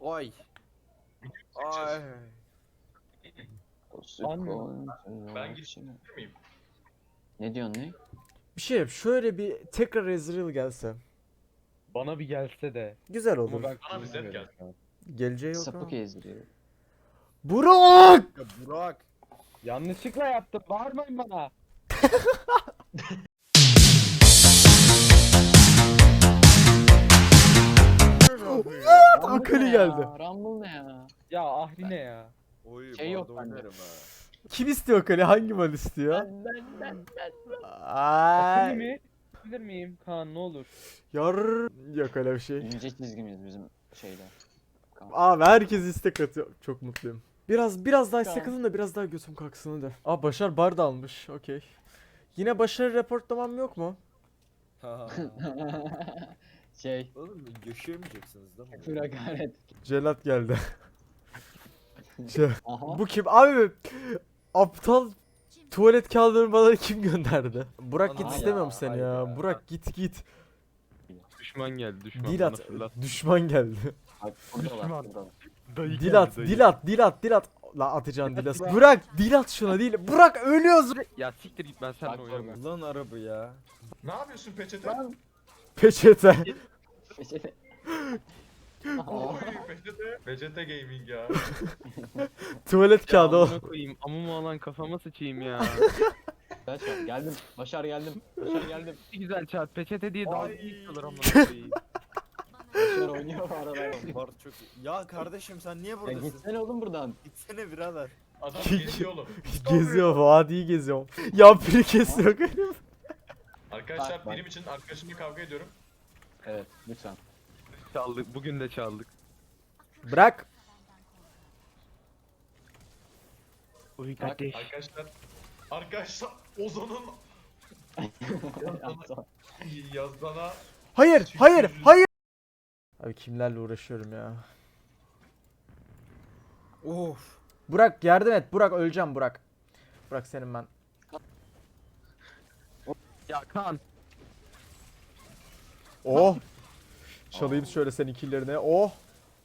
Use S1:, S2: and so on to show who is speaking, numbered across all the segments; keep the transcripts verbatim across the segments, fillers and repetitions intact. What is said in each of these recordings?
S1: Oy. Ay.
S2: Ben gideyim miyim?
S3: Ne diyorsun ne?
S4: Bir şey yap. Şöyle bir tekrar Ezreal gelse.
S5: Bana bir gelse de.
S4: Güzel
S5: Ama
S4: olur.
S5: ben
S2: Bana bir zevk
S5: kullanmıyorum
S2: gel.
S5: şu an.
S4: Geleceği yok ama.
S3: Sapık ezdiriyor.
S4: Burak!
S1: Ya Burak.
S5: Yanlışlıkla yaptım. Bağırmayın bana.
S4: Akali geldi.
S3: Rumble ne ya?
S5: Ya Ahri ne ya?
S1: Oy,
S3: Şey yok
S1: barda
S3: bende.
S1: oynarım ha.
S4: Kim istiyor Akali? Hangi mal istiyor?
S3: Ben ben ben ben.
S4: Ay.
S5: Akıllı mi? Bilir miyim Kaan ne olur?
S4: Yar yok öyle bir şey.
S3: İnce çizgimiz bizim şeyde.
S4: Abi herkes istek atıyor. Çok mutluyum. Biraz biraz daha istek
S3: Tamam.
S4: atın da biraz daha götüm kalksın hadi. Aa Başar bar da almış. Okey. Yine başarı reportlamam yok mu?
S1: Ha.
S3: Şey.
S1: Oğlum yaşayamayacaksınız değil mi?
S3: Küfür hakaret.
S4: Celat geldi. Şey,
S3: Aha.
S4: bu kim? Abi aptal tuvalet kağıdını bana kim gönderdi? Burak git
S1: Ana
S4: istemiyorum
S1: ya,
S4: seni
S1: hayır
S4: ya.
S1: ya.
S4: Burak git git.
S5: Düşman geldi düşman.
S4: Dil
S5: bana
S4: at.
S5: fırlat.
S4: Düşman geldi.
S3: Bak buradalar
S5: Düşman.
S3: buradalar.
S5: Dayı
S4: Dil at,
S5: geldi,
S4: dil
S5: dayı.
S4: at, dil at, dil at. La atacaksın dil at. Burak dil at şuna değil. Burak ölüyoruz.
S5: Ya siktir git ben seninle
S3: Bak,
S5: oynamıyorum.
S1: Ulan araba ya.
S2: Ne yapıyorsun peçete?
S3: Lan.
S4: Peçete.
S3: Peçete.
S2: Oy peçete. Peçete gaming ya.
S4: Tuvalet kağıdı o.
S5: Amına koyayım amumu alan kafama sıçayım ya.
S3: Başar geldim. Başar geldim. Başar geldim.
S5: Ne güzel çarp peçete diye dalga
S2: Ay.
S5: geçiyorlar amına koyayım.
S3: Başar oynuyor bu arada.
S1: Bar çok iyi. Ya kardeşim sen niye
S3: Ya
S1: buradasın?
S3: gitsene oğlum buradan.
S1: Gitsene birader.
S2: Adam geziyor oğlum.
S4: Geziyor, vadiyi geziyorum. Ya biri kesiyor.
S2: Arkadaşlar
S3: Bak, bak.
S2: birim için arkadaşımla kavga ediyorum.
S3: Evet lütfen.
S5: Çaldık bugün de çaldık.
S4: Bırak.
S5: Uy
S3: Bak,
S5: kardeş.
S2: Arkadaşlar. Arkadaşlar Ozan'ın yazdana
S4: Hayır, hayır, hayır. Abi kimlerle uğraşıyorum ya.
S1: Of.
S4: Burak yardım et. Burak öleceğim Burak. Burak senin ben.
S5: Ya Kaan.
S4: Oh. Çalayım şöyle senin killerine. Oh.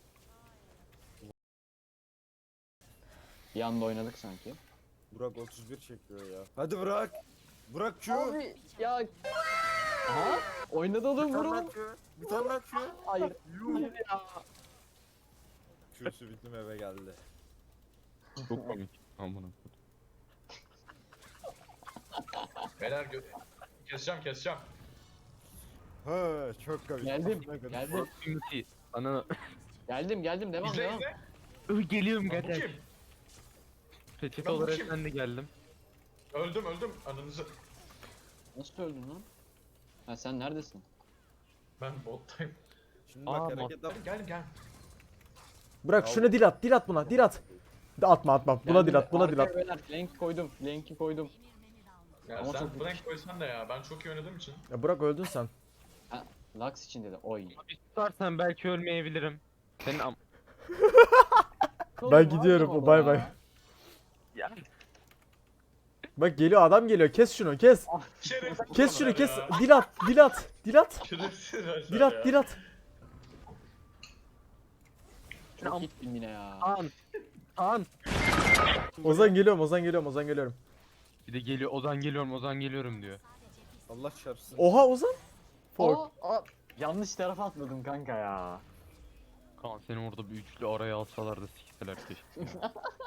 S3: Bir anda oynadık sanki.
S1: Burak otuz bir çekiyor ya. Hadi Burak. Burak Q.
S3: Abi ya. Aha. Oynadı oğlum
S1: Bir tane daha
S3: vurun.
S1: Q. Bir tane daha Q.
S3: Hayır.
S1: Yuh.
S3: Hayır ya.
S1: Q'su bittim eve geldi.
S5: Çok komik. Amına.
S2: Beyler gö- keseceğim keseceğim.
S1: Ha çok komik.
S3: Geldim.
S1: Ne kadar-
S3: Geldim.
S5: Ümiti. Ana.
S3: Geldim geldim devam
S2: İzle
S3: devam.
S2: izle.
S5: Uy geliyorum
S2: Lan bu
S5: kardeş.
S2: kim?
S5: Peçete
S2: Lan bu
S5: olarak
S2: kim?
S5: ben de geldim.
S2: Öldüm öldüm ananızı.
S3: Nasıl öldün lan? Ha sen neredesin?
S2: Ben bottayım.
S1: Şimdi
S5: Aa,
S1: bak
S5: bak.
S1: hareket yap.
S2: Geldim geldim geldim.
S4: Burak şuna dil at. Dil at buna. Dil at. De atma atma. Buna
S3: Geldim
S4: dil
S3: de
S4: at. Buna dil at.
S3: arkaya beyler, Link koydum. Link'i koydum.
S2: Ya
S3: Ama
S2: sen
S3: çok-
S2: blank koysan da ya ben çok iyi oynadığım için.
S4: Ya Burak öldün sen.
S3: Ha, Lux için dedi. Oy.
S5: Bir tutarsan belki ölmeyebilirim. Senin am...
S4: Ben gidiyorum. Bay bay.
S5: Ya.
S4: Bak geliyor adam geliyor. Kes şunu kes.
S2: Şerefsiz
S4: Kes şunu
S2: adamlar
S4: kes.
S2: ya.
S4: Dil at. Dil at. Dil at.
S2: Şerefsiz arkadaşlar
S4: Dil at.
S2: ya.
S4: Dil at.
S3: Çok gittim yine ya.
S5: Kaan. Kaan.
S4: Ozan geliyorum. Ozan geliyorum. Ozan geliyorum.
S5: Bir de geliyor Ozan geliyorum Ozan geliyorum diyor.
S1: Allah çarpsın.
S4: Oha Ozan. Fork.
S3: Aa, aa, yanlış tarafa atladım kanka ya.
S5: Kaan seni orada bir üçlü araya alsalar da sikseler keşke.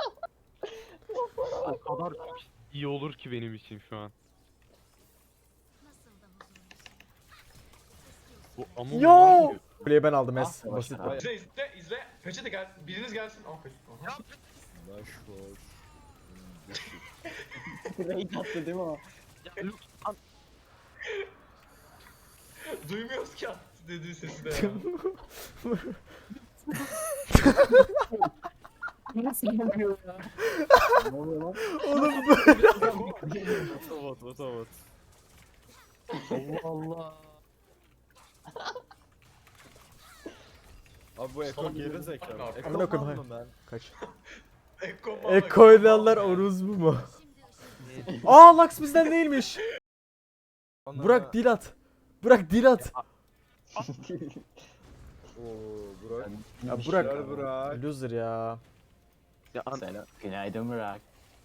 S5: O kadar çok iyi olur ki benim için şu an. Bu ama
S4: Yo. Kuleyi ben aldım es.
S3: Ah,
S4: Basit.
S3: Başar.
S2: İzle izle izle. Peçete gel. Biriniz gelsin. Aa, peçete. Aha.
S1: Baş boş.
S3: Raid attı değil mi o?
S2: Duymuyoruz ki attı dediği sesi de ya.
S3: Nasıl yapıyor ya? Ne oluyor lan?
S4: Oğlum
S1: Otobot otobot.
S5: Allah Allah.
S1: Abi bu Eko geri zekalı. Eko
S4: Amına koyayım,
S1: mal mı ben?
S4: kaç.
S2: Ekko
S4: Eko oynayanlar oruz bu mu? Aa Lux bizden değilmiş. Burak dil at. Burak dil at.
S1: Oo Burak.
S4: Ya
S3: Bir
S4: Burak.
S3: şey
S1: Gel Burak.
S4: Loser ya.
S5: Ya an
S3: Selam. Günaydın Burak.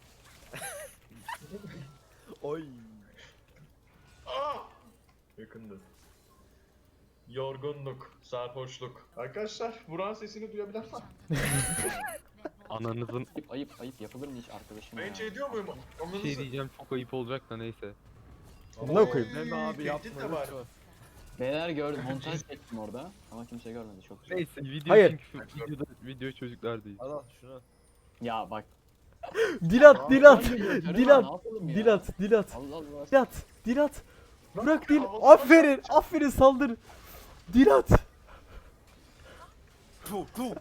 S1: Oy.
S2: Aa! Yakındı. Yorgunluk, sarhoşluk. Arkadaşlar Burak'ın sesini duyabilen var.
S5: ananızın
S3: Ayıp ayıp ayıp yapılır mı hiç arkadaşım
S2: Ben
S3: ya?
S2: hiç ediyor muyum?
S5: bir
S2: Anladınız
S5: şey
S2: mı?
S5: diyeceğim çok ayıp olacak da neyse.
S4: Amına koyayım.
S1: Deme abi
S2: Tehdit
S1: yapma
S2: de var.
S1: lütfen.
S3: Beyler gördüm montaj çektim orada ama kimse görmedi çok güzel.
S5: Neyse video
S4: Hayır.
S5: çünkü videoda video çocuklar değil.
S1: Al al şunu.
S3: Ya bak.
S4: Dilat, Dilat,
S3: Ne
S4: Dilat,
S3: yapalım ya?
S4: Dilat, Dilat,
S3: Allah Allah.
S4: Dilat, Dilat. Burak değil.
S2: Havası
S4: Aferin, aferin saldır. Dilat.
S1: Tu tu.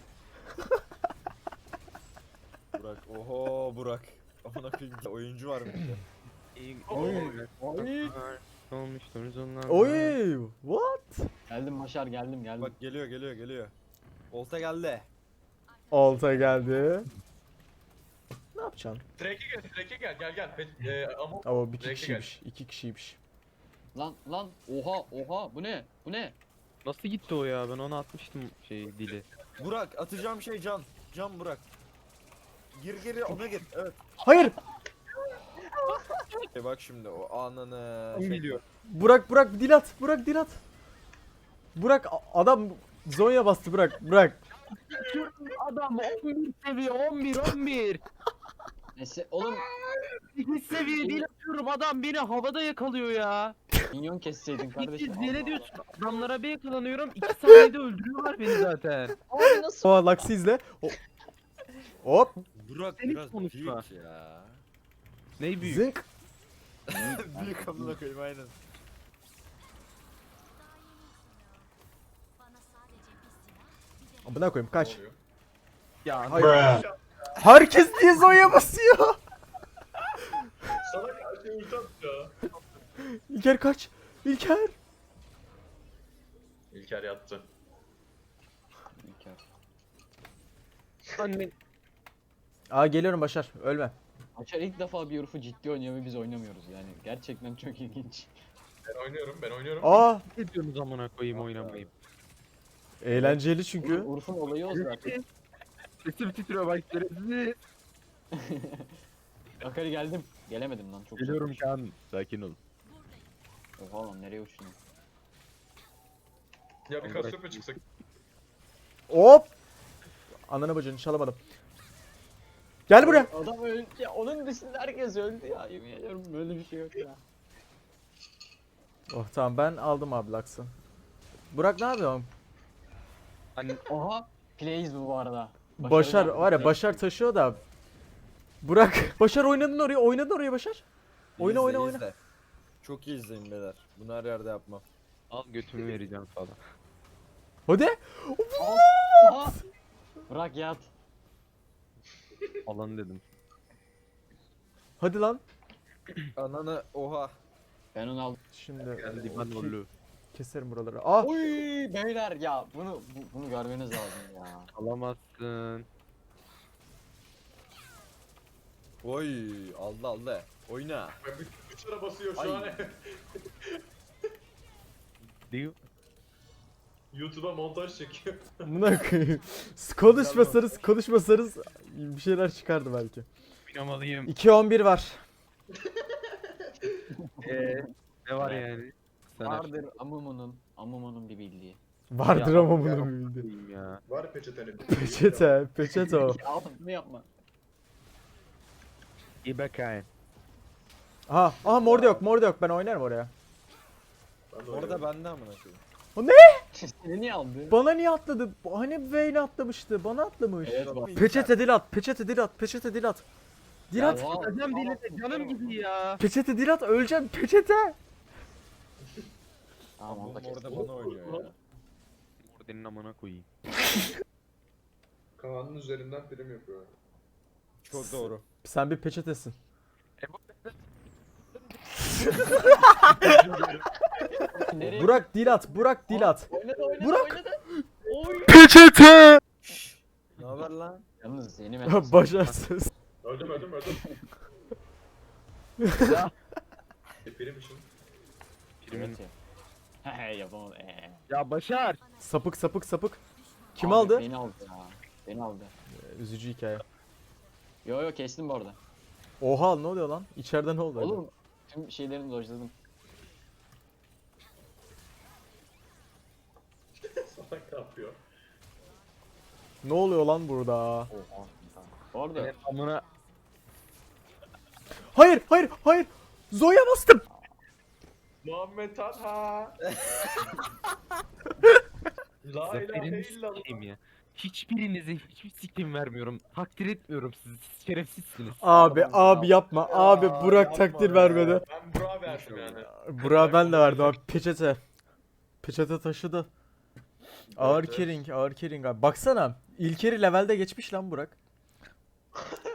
S1: Burak. Oho Burak. Amına koyayım oyuncu var mıydı?
S3: Oy.
S5: Olmuştunuz onlar.
S4: Oy, what?
S3: Geldim Başar geldim geldim.
S1: Bak geliyor geliyor geliyor. Olta geldi.
S4: Olta geldi. Ne yapacaksın?
S2: Drake'e gel, Drake'e gel, gel gel. Pe- e, ama
S4: Ama bir iki
S2: Direkt
S4: kişiymiş, iki kişiymiş.
S3: Lan lan oha oha bu ne? Bu ne?
S5: Nasıl gitti o ya? Ben ona atmıştım şey dili.
S1: Burak atacağım şey can. Can Burak. Gir geri ona gir. Evet.
S4: Hayır,
S1: E bak şimdi o ananı.
S5: Kim biliyor?
S4: Burak, Burak, Dilat, Burak, Dilat. Burak, a- adam Zonya bastı Burak, Burak.
S5: Adam on bir seviye on bir on bir.
S3: Neyse oğlum
S5: sekiz seviye değil atıyorum adam beni havada yakalıyor ya.
S3: minyon kesseydin kardeşim.
S5: İkiz deli
S3: Allah
S5: diyorsun adamlara bir yakalanıyorum iki saniyede öldürüyorlar beni zaten.
S3: Allah. Abi nasıl?
S4: O Lux'ı izle. O- Hop,
S1: Burak
S5: Sen hiç
S1: biraz
S5: konuşma.
S1: büyük ya.
S5: Ney büyük?
S4: zınk.
S1: büyük amına koyayım aynen.
S4: Amına koyayım kaç.
S2: Ne oluyor?
S5: Ya
S4: Hayır. Herkes niye Zonya basıyor?
S2: Salak her şey ulti attı ya.
S4: İlker kaç. İlker.
S2: İlker yattı.
S3: İlker.
S5: anne
S4: Aa geliyorum Başar, ölme.
S3: Başar ilk defa bir Urf'u ciddi oynuyor ve biz oynamıyoruz yani. Gerçekten çok ilginç.
S2: Ben oynuyorum, ben oynuyorum.
S4: Aa,
S5: ne diyorsunuz amına koyayım oynamayayım.
S4: eğlenceli çünkü.
S3: Urf'un olayı o zaten.
S5: Sesim titriyor bak şerefsiz.
S3: Akari geldim. Gelemedim lan çok
S5: Geliyorum
S3: uzakmış.
S5: kan. Sakin ol.
S3: Oha lan nereye uçtun?
S2: Ya bir Cassiopeia çıksak.
S4: Hop. Ananı bacını çalamadım. Gel buraya.
S3: Adam öldü ya. Onun dışında herkes öldü ya. Yemin ediyorum böyle bir şey yok ya.
S4: Oh tamam ben aldım abi Lux'ı. Burak ne yapıyorsun?
S5: Anne
S3: Oha. Plays bu bu arada.
S4: Başar var ya Başar taşıyor da. Burak. Başar oynadın oraya, oynadın oraya Başar. Oyna,
S1: İzle,
S4: oyna, oyna.
S1: izle. Çok iyi izleyin beyler. Bunu her yerde yapmam.
S5: al götümü vereceğim falan.
S4: Hadi.
S3: Oha. Bırak yat.
S5: Alan dedim.
S4: Hadi lan.
S1: Ananı oha.
S3: Ben onu aldım.
S4: Şimdi
S5: Geldi ben
S4: ki-
S5: ollu.
S4: keserim buraları. Ah.
S3: Oy beyler ya bunu bu- bunu görmeniz lazım ya.
S5: Alamazsın.
S1: Oy aldı aldı. Oyna.
S2: Ben bir bıçara basıyor şu
S1: Ay.
S2: an.
S5: Diyor.
S2: YouTube'a montaj çekiyor.
S4: Buna koyayım. Konuşmasanız konuşmasanız bir şeyler çıkardı belki.
S5: Oynamalıyım.
S4: iki on bir var.
S5: Eee ne var yani? Sen
S3: Vardır Amumu'nun Amumu'nun bir bildiği.
S4: Vardır
S5: Ya,
S4: ama
S5: ya.
S4: bunu bildi.
S5: aşkım ya.
S2: Var peçetenin.
S4: Peçete, peçete o.
S3: Ya oğlum bunu yapma.
S5: İyi bakayım.
S4: Aha, aha mor da yok, mor da yok. Ben oynarım oraya.
S2: Ben de
S1: Orada
S2: oynuyorum.
S1: bende amına koyayım.
S3: Seni niye aldı?
S4: Bana niye atladı? Hani Vayne atlamıştı. Bana atlamış.
S3: Evet bak.
S4: Peçete Dilat, peçete Dilat, peçete Dilat. Dilat,
S3: Ya, vay.
S5: Hocam dili canım gibi ya.
S4: peçete Dilat öleceğim, peçete.
S3: Tamam
S1: Bu
S3: onu da kes.
S1: orada bana oynuyor ya.
S5: Ordenin amına koyayım.
S2: Kaan'ın üzerinden prim yapıyor.
S1: Çok doğru.
S4: Sen bir peçetesin.
S3: Nereye?
S4: Burak Dilat, Burak Dilat.
S3: Oynadı oynadı
S4: Burak.
S3: oynadı. Oy.
S4: Peçete.
S1: Ne haber lan?
S3: Yalnız yeni mesaj.
S4: Başarsız.
S2: Öldüm öldüm öldüm. E, prim için.
S5: Primin.
S3: Evet ya. He yapamadım. Ee.
S5: Ya Başar.
S4: Sapık sapık sapık. Kim
S3: Abi
S4: aldı?
S3: Beni aldı ya. Beni aldı.
S4: Üzücü hikaye.
S3: Yo yo kestim bu arada.
S4: Oha ne oluyor lan? İçeride ne oldu? acaba?
S3: Oğlum tüm şeylerini dojladım.
S2: Salak ne yapıyor?
S4: Ne oluyor lan burada?
S3: Oha. Bu arada
S5: Senin amına.
S4: Hayır hayır hayır. Zoya bastım.
S2: Muhammed Talha. La ilahe
S5: Zaferini
S2: illallah.
S5: sikeyim ya. Hiçbirinize hiçbir sikim vermiyorum. Takdir etmiyorum sizi. Siz şerefsizsiniz.
S4: Abi
S3: Tamam,
S4: abi
S3: tamam.
S4: yapma. Abi
S2: Ya,
S4: Burak
S2: yapma
S4: takdir
S2: ya.
S4: vermedi.
S2: Ben Burak'a verdim yani.
S4: Burak ben de verdim abi. Peçete. Peçete taşıdı. Ağır
S2: Evet.
S4: carrying, ağır carrying abi. Baksana. İlkeri levelde geçmiş lan Burak.